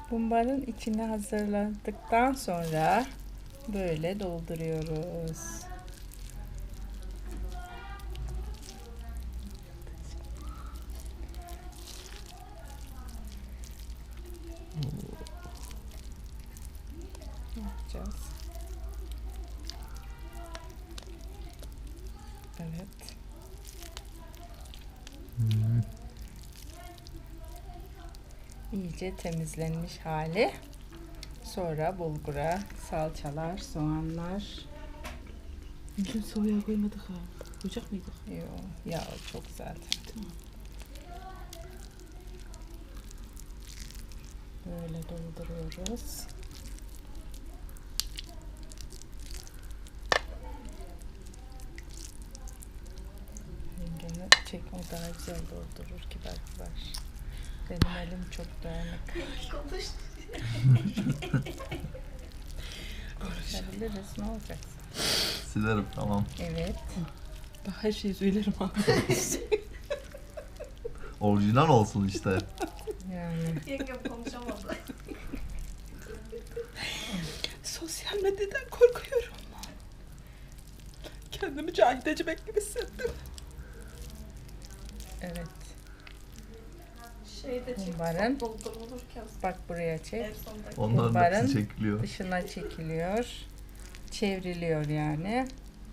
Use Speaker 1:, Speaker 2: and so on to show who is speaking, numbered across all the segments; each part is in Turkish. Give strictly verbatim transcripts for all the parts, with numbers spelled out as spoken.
Speaker 1: Bumbarın içini hazırladıktan sonra böyle dolduruyoruz. Ne yapacağız? Evet.
Speaker 2: Hmm.
Speaker 1: İyice temizlenmiş hali. Sonra bulgura, salçalar, soğanlar.
Speaker 3: Bugün soğuya koymadık ha. Koyacak mıydık?
Speaker 1: Yok, yağ çok zaten.
Speaker 3: Tamam.
Speaker 1: Böyle dolduruyoruz. Rengini çek, o daha güzel doldurur, kibar kibar. Benim elim çok dağınık. Konuşabiliriz, ne olacak?
Speaker 2: Silerim tamam.
Speaker 1: Evet.
Speaker 3: Bak her şeyi söylerim ha.
Speaker 2: Orijinal olsun işte.
Speaker 1: Yani.
Speaker 4: Yengem konuşamadı.
Speaker 3: Sosyal medyadan korkuyorum. Kendimi cahil ecemek gibi hissettim.
Speaker 1: Evet.
Speaker 4: Şeyde çek.
Speaker 1: Umarım.
Speaker 4: Doldurulurken
Speaker 1: Bak buraya çek.
Speaker 4: en sondaki.
Speaker 2: Onların
Speaker 1: Bumbarın
Speaker 2: hepsi çekiliyor.
Speaker 1: Dışına çekiliyor. Çevriliyor yani.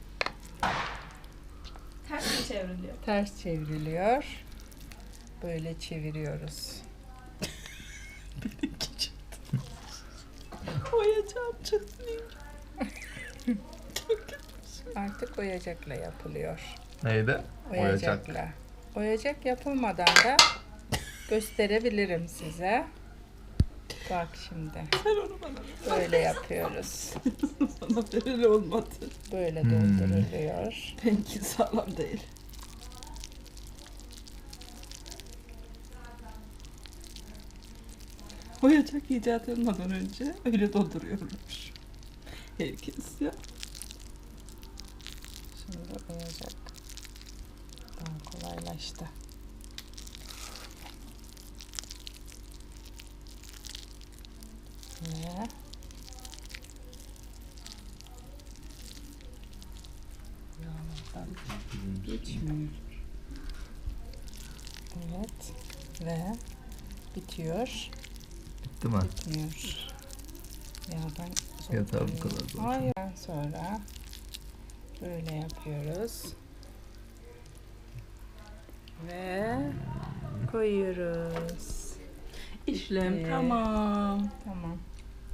Speaker 4: Ters mi çevriliyor?
Speaker 1: Ters çevriliyor. Böyle çeviriyoruz.
Speaker 3: Benimki çıktı. Oyacağım çıktı. Çok kötü.
Speaker 1: Artık oyacakla yapılıyor.
Speaker 2: Neydi? Oyacak.
Speaker 1: Oyacakla. Oyacak yapılmadan da gösterebilirim size. Bak şimdi.
Speaker 3: Sen onu bana ver.
Speaker 1: Böyle yapıyoruz.
Speaker 3: Bana ver, öyle olmadı.
Speaker 1: Böyle
Speaker 2: Hmm.
Speaker 1: dolduruluyor.
Speaker 3: Benimki sağlam değil. Oyacak icat olmadan önce öyle dolduruyormuş. Herkes ya.
Speaker 1: Şimdi oyacak. Daha kolaylaştı. Ve yağdan geçmiyor. Evet. Ve bitiyor.
Speaker 2: Bitti mi?
Speaker 1: Bitmiyor. Yağdan
Speaker 2: Yeter bu
Speaker 1: soğutuyor.
Speaker 2: kadar zaten.
Speaker 1: Hayır. Sonra böyle yapıyoruz. Ve koyuyoruz.
Speaker 3: İşlem
Speaker 1: Bitti.
Speaker 3: tamam.
Speaker 1: Tamam.